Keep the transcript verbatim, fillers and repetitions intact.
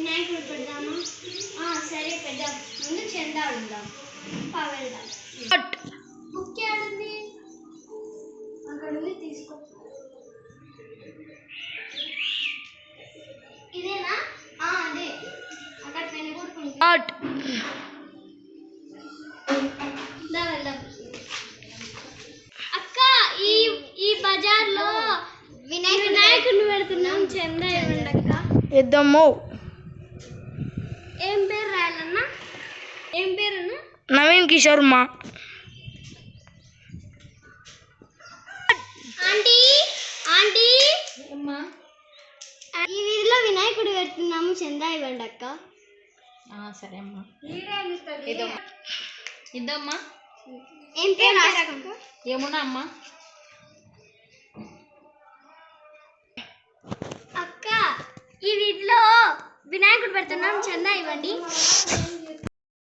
వినాయకుడు పెడదామా? సరే పెద్దాం. ముందు చందా ఉందాం. వెళ్దాం. బుక్ ఆడుంది అక్కడ ఉంది, తీసుకో. ఇదేనా? అదే అక్కడ పెన్ను కొడుకుంది. వెళ్దాం. అక్క, ఈ ఈ బజార్లో వినాయకుడిని పెడుతున్నాం, చందా ఇవ్వండి అక్క. ఇద్దాము. ఏం పేరు రాయాలన్నా? ఏం పేరు? నవీన్ కిషోర్ మా. ఆంటీ ఆంటీ ఈ వీధిలో వినాయకుడు పెడుతున్నాము, చందా ఇవ్వండి అక్క. సరే అమ్మా, ఇద్దమ్మా. ఏం పేరు? ఏమున్నా అమ్మా. అక్క, ఈ వీధిలో వినాయకుడు పెడుతున్నాం, చందా ఇవ్వండి.